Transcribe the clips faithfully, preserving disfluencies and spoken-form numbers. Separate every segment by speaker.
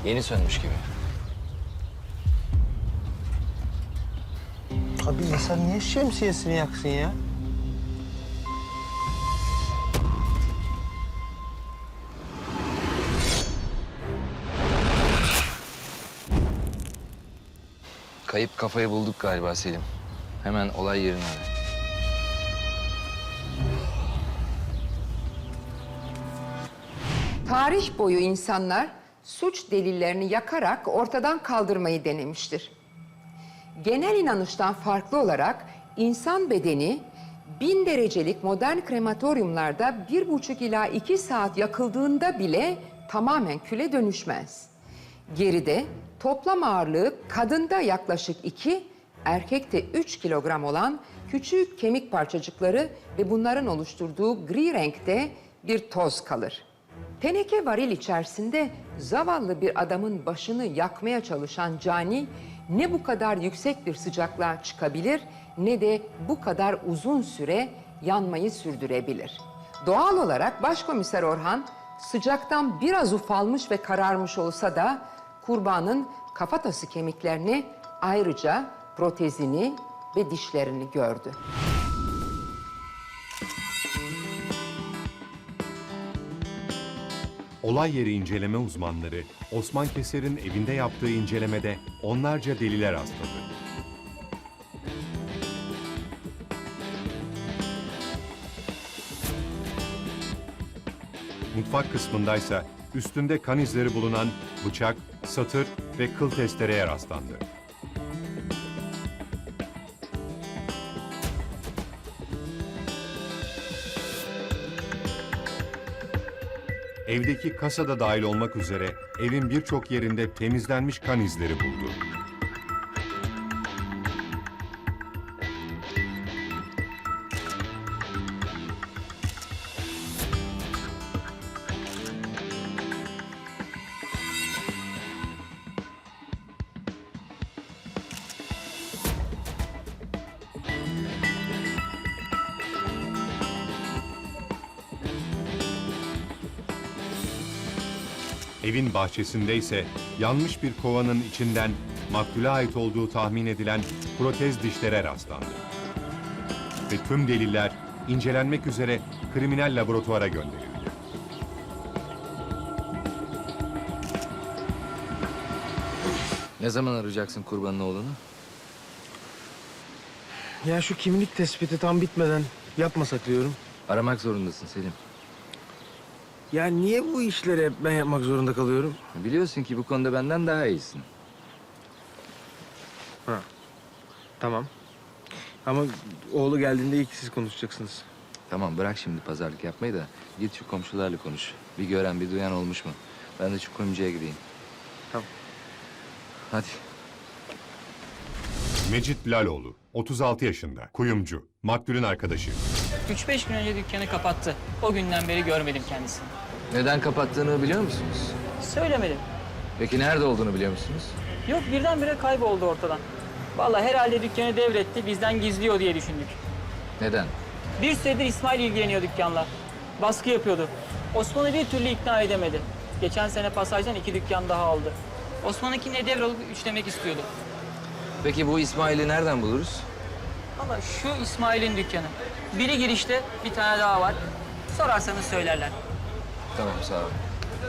Speaker 1: Yeni sönmüş gibi.
Speaker 2: Abi insan niye şemsiyesini yaksın ya?
Speaker 1: Kayıp kafayı bulduk galiba Selim. Hemen olay yerine ara.
Speaker 3: Tarih boyu insanlar suç delillerini yakarak ortadan kaldırmayı denemiştir. Genel inanıştan farklı olarak insan bedeni bin derecelik modern krematoryumlarda bir buçuk ila iki saat yakıldığında bile tamamen küle dönüşmez. Geride toplam ağırlığı kadında yaklaşık iki, erkekte üç kilogram olan küçük kemik parçacıkları ve bunların oluşturduğu gri renkte bir toz kalır. Teneke varil içerisinde zavallı bir adamın başını yakmaya çalışan cani ne bu kadar yüksek bir sıcaklığa çıkabilir ne de bu kadar uzun süre yanmayı sürdürebilir. Doğal olarak Başkomiser Orhan sıcaktan biraz ufalmış ve kararmış olsa da kurbanın kafatası kemiklerini, ayrıca protezini ve dişlerini gördü.
Speaker 4: Olay yeri inceleme uzmanları Osman Keser'in evinde yaptığı incelemede onlarca deliller rastladı. Mutfak kısmındaysa üstünde kan izleri bulunan bıçak, satır ve kıl testereye rastlandı. Evdeki kasada dahil olmak üzere evin birçok yerinde temizlenmiş kan izleri buldu. Evin bahçesinde ise yanmış bir kovanın içinden maktule ait olduğu tahmin edilen protez dişlere rastlandı. Ve tüm deliller incelenmek üzere kriminal laboratuvara gönderildi.
Speaker 1: Ne zaman arayacaksın kurbanın oğlunu?
Speaker 2: Ya şu kimlik tespiti tam bitmeden yapmasak diyorum.
Speaker 1: Aramak zorundasın Selim.
Speaker 2: Ya niye bu işleri hep ben yapmak zorunda kalıyorum?
Speaker 1: Biliyorsun ki bu konuda benden daha iyisin.
Speaker 2: Ha. Tamam. Ama oğlu geldiğinde ilk siz konuşacaksınız.
Speaker 1: Tamam bırak şimdi pazarlık yapmayı da git şu komşularla konuş. Bir gören bir duyan olmuş mu? Ben de şu kuyumcuya gideyim.
Speaker 2: Tamam.
Speaker 1: Hadi.
Speaker 4: Mecit Laloğlu, otuz altı yaşında, kuyumcu, maktulün arkadaşı.
Speaker 5: Üç beş gün önce dükkanı kapattı. O günden beri görmedim kendisini.
Speaker 1: Neden kapattığını biliyor musunuz?
Speaker 5: Söylemedim.
Speaker 1: Peki nerede olduğunu biliyor musunuz?
Speaker 5: Yok birdenbire kayboldu ortadan. Vallahi herhalde dükkanı devretti, bizden gizliyor diye düşündük.
Speaker 1: Neden?
Speaker 5: Bir süredir İsmail ilgileniyor dükkanla. Baskı yapıyordu. Osman'ı bir türlü ikna edemedi. Geçen sene pasajdan iki dükkan daha aldı. Osman'ınkine devralıp üçlemek istiyordu.
Speaker 1: Peki bu İsmail'i nereden buluruz?
Speaker 5: Vallahi şu İsmail'in dükkanı. Biri girişte, bir tane daha var. Sorarsanız söylerler.
Speaker 1: Tamam sağ ol.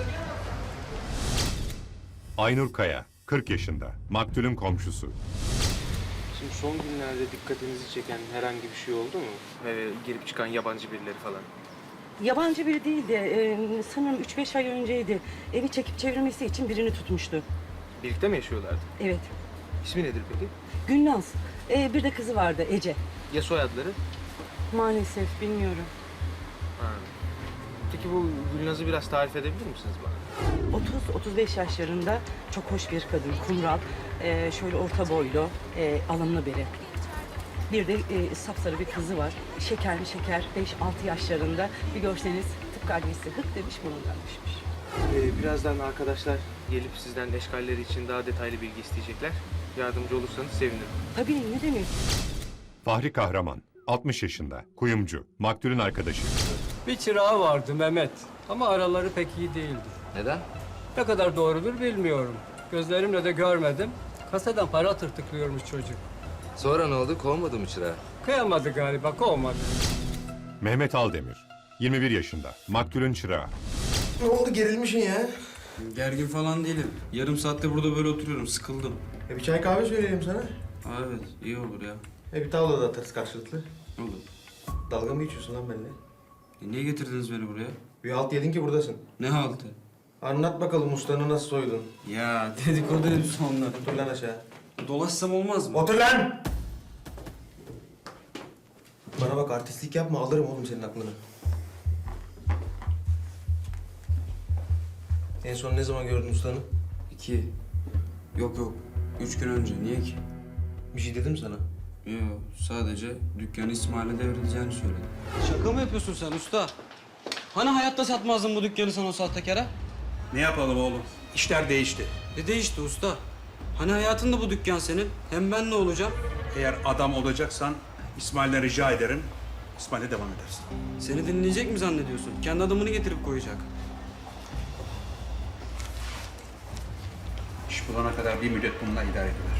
Speaker 4: Aynur Kaya, kırk yaşında, maktulün komşusu.
Speaker 6: Şimdi son günlerde dikkatinizi çeken herhangi bir şey oldu mu? Ee, girip çıkan yabancı birileri falan.
Speaker 7: Yabancı biri değildi. Ee, sanırım üç beş ay önceydi. Evi çekip çevirmesi için birini tutmuştu.
Speaker 6: Birlikte mi yaşıyorlardı?
Speaker 7: Evet.
Speaker 6: İsmi nedir peki?
Speaker 7: Gülnaz. Ee, bir de kızı vardı Ece.
Speaker 6: Ya soyadları?
Speaker 7: Maalesef bilmiyorum.
Speaker 6: Ha. Peki bu Gülnaz'ı biraz tarif edebilir misiniz bana?
Speaker 7: otuz otuz beş yaşlarında çok hoş bir kadın. Kumral. Ee, şöyle orta boylu. E, alımlı biri. Bir de e, sapsarı bir kızı var. Şekerli şeker. beş altı yaşlarında. Bir görseniz tıpkı annesi hık demiş bunundan düşmüş.
Speaker 6: Ee, birazdan arkadaşlar gelip sizden eşkalleri için daha detaylı bilgi isteyecekler. Yardımcı olursanız sevinirim.
Speaker 7: Tabii ne demek?
Speaker 4: Fahri Kahraman, altmış yaşında, kuyumcu, maktulün arkadaşı.
Speaker 8: Bir çırağı vardı Mehmet ama araları pek iyi değildi.
Speaker 1: Neden?
Speaker 8: Ne kadar doğrudur bilmiyorum. Gözlerimle de görmedim. Kasadan para tırtıklıyormuş çocuk.
Speaker 1: Sonra ne oldu? Kovmadı mı çırağı?
Speaker 8: Kıyamadı galiba, kovmadı.
Speaker 4: Mehmet Aldemir, yirmi bir yaşında, maktulün çırağı.
Speaker 2: Ne oldu, gerilmişsin ya?
Speaker 9: Gergin falan değilim. Yarım saattir burada böyle oturuyorum. Sıkıldım.
Speaker 2: E bir çay kahve söyleyelim sana.
Speaker 9: Aa, evet, iyi olur ya.
Speaker 2: E bir tavla da atarız karşılıklı.
Speaker 9: Olur.
Speaker 2: Dalga mı geçiyorsun lan benimle?
Speaker 9: E, niye getirdiniz beni buraya?
Speaker 2: Bir halt yedin ki buradasın.
Speaker 9: Ne haltı?
Speaker 2: Anlat bakalım ustanı nasıl soydun?
Speaker 9: Ya dedikodu hepsi onlar.
Speaker 2: Otur lan aşağı.
Speaker 9: Dolaşsam olmaz mı?
Speaker 2: Otur lan! Bana bak, artistlik yapma, alırım oğlum senin aklını. En son ne zaman gördün ustanı?
Speaker 9: İki. Yok yok. Üç gün önce. Niye ki?
Speaker 2: Bir şey dedim sana.
Speaker 9: Yok. Sadece dükkanı İsmail'e devredeceğini söyledi. Şaka mı yapıyorsun sen usta? Hani hayatta satmazdın bu dükkanı sen o sahtekara?
Speaker 10: Ne yapalım oğlum? İşler değişti.
Speaker 9: Ne değişti usta? Hani hayatında bu dükkan senin. Hem ben ne olacağım?
Speaker 10: Eğer adam olacaksan İsmail'den rica ederim. İsmail'e devam edersin.
Speaker 9: Seni dinleyecek mi zannediyorsun? Kendi adamını getirip koyacak.
Speaker 10: İş bulana kadar bir müddet bununla idare edilir.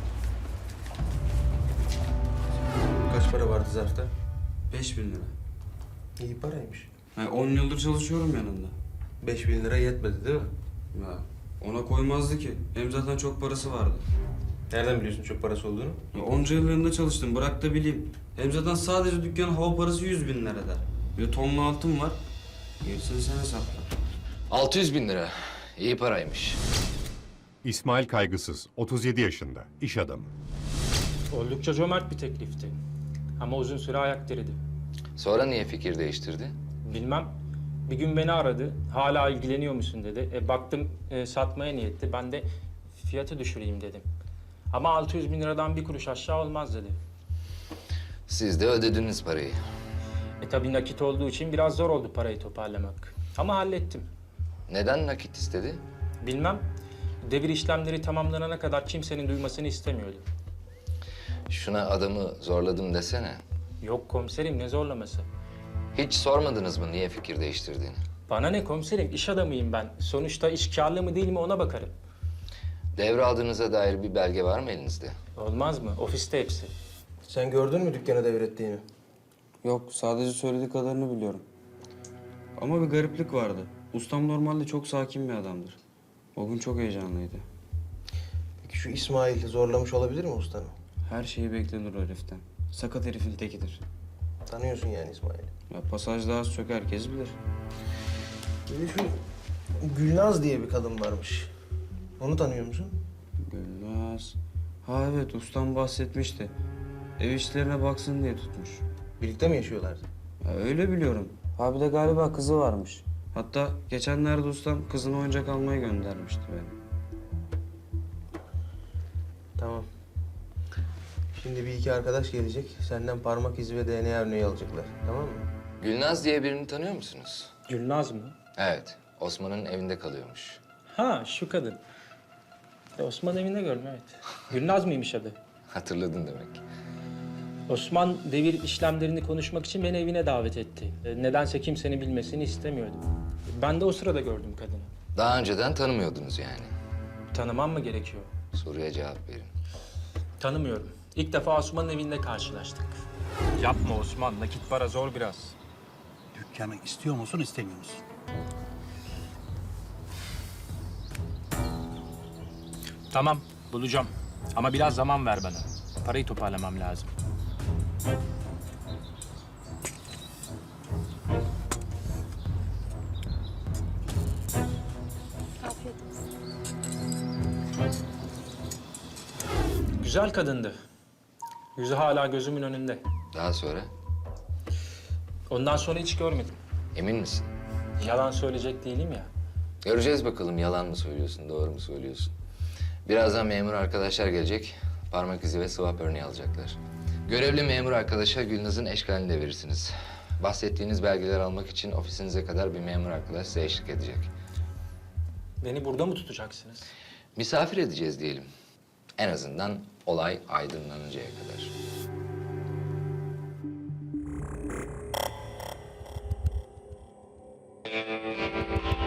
Speaker 2: Kaç para vardı zarfta?
Speaker 9: Beş bin lira.
Speaker 2: İyi paraymış.
Speaker 9: Yani on yıldır çalışıyorum yanında.
Speaker 2: Beş bin lira yetmedi değil mi?
Speaker 9: Ya ona koymazdı ki. Hem zaten çok parası vardı.
Speaker 2: Nereden biliyorsun çok parası olduğunu?
Speaker 9: Ya onca yıl yanında çalıştım. Bırak da bileyim. Hem zaten sadece dükkanın hava parası yüz bin lira eder. Bir de tonlu altın var. Gerisini sen hesapla.
Speaker 1: altı yüz bin lira. İyi paraymış.
Speaker 4: İsmail Kaygısız, otuz yedi yaşında, iş adamı.
Speaker 11: Oldukça cömert bir teklifti. Ama uzun süre ayak diridi.
Speaker 1: Sonra niye fikir değiştirdi?
Speaker 11: Bilmem. Bir gün beni aradı. Hala ilgileniyor musun dedi. E, baktım e, satmaya niyetli. Ben de fiyatı düşüreyim dedim. Ama altı yüz bin liradan bir kuruş aşağı olmaz dedi.
Speaker 1: Siz de ödediniz parayı.
Speaker 11: E tabii nakit olduğu için biraz zor oldu parayı toparlamak. Ama hallettim.
Speaker 1: Neden nakit istedi?
Speaker 11: Bilmem. Devir işlemleri tamamlanana kadar kimsenin duymasını istemiyordu.
Speaker 1: Şuna adamı zorladım desene.
Speaker 11: Yok komiserim, ne zorlaması?
Speaker 1: Hiç sormadınız mı niye fikir değiştirdiğini?
Speaker 11: Bana ne komiserim, iş adamıyım ben. Sonuçta iş kârlı mı değil mi ona bakarım.
Speaker 1: Devraldığınıza dair bir belge var mı elinizde?
Speaker 11: Olmaz mı? Ofiste hepsi.
Speaker 2: Sen gördün mü dükkanı devrettiğini?
Speaker 9: Yok, sadece söylediği kadarını biliyorum. Ama bir gariplik vardı. Ustam normalde çok sakin bir adamdır. O gün çok heyecanlıydı.
Speaker 2: Peki şu İsmail zorlamış olabilir mi ustanı?
Speaker 9: Her şeyi beklenir o heriften. Sakat herifin tekidir.
Speaker 2: Tanıyorsun yani İsmail'i.
Speaker 9: Ya pasajda az çok herkes bilir.
Speaker 2: Bir de şu Gülnaz diye bir kadın varmış. Onu tanıyor musun?
Speaker 9: Gülnaz. Ha evet, ustam bahsetmişti. Ev işlerine baksın diye tutmuş.
Speaker 2: Birlikte mi yaşıyorlardı?
Speaker 9: Ya öyle biliyorum. Ha bir de galiba kızı varmış. Hatta geçenlerde ustam kızını oyuncak almaya göndermişti beni.
Speaker 2: Tamam. Şimdi bir iki arkadaş gelecek. Senden parmak izi ve D N A örneği alacaklar. Tamam mı?
Speaker 1: Gülnaz diye birini tanıyor musunuz?
Speaker 11: Gülnaz mı?
Speaker 1: Evet. Osman'ın evinde kalıyormuş.
Speaker 11: Ha, şu kadın. E, Osman evinde gördüm, evet. Gülnaz mıymış adı?
Speaker 1: Hatırladın demek.
Speaker 11: Osman devir işlemlerini konuşmak için beni evine davet etti. E, nedense kimsenin bilmesini istemiyordu. Ben de o sırada gördüm kadını.
Speaker 1: Daha önceden tanımıyordunuz yani.
Speaker 11: Tanımam mı gerekiyor?
Speaker 1: Soruya cevap verin.
Speaker 11: Tanımıyorum. İlk defa Osman'ın evinde karşılaştık. Yapma Osman, nakit para zor biraz.
Speaker 10: Dükkanı istiyor musun, istemiyor musun?
Speaker 11: Tamam, bulacağım. Ama biraz zaman ver bana. Parayı toparlamam lazım. Güzel kadındı. Yüzü hala gözümün önünde.
Speaker 1: Daha sonra?
Speaker 11: Ondan sonra hiç görmedim.
Speaker 1: Emin misin?
Speaker 11: Yalan söyleyecek değilim ya.
Speaker 1: Göreceğiz bakalım yalan mı söylüyorsun, doğru mu söylüyorsun. Birazdan memur arkadaşlar gelecek. Parmak izi ve swap örneği alacaklar. Görevli memur arkadaşa Gülnaz'ın eşkalini de verirsiniz. Bahsettiğiniz belgeler almak için ofisinize kadar bir memur arkadaş size eşlik edecek.
Speaker 11: Beni burada mı tutacaksınız?
Speaker 1: Misafir edeceğiz diyelim. En azından olay aydınlanıncaya kadar.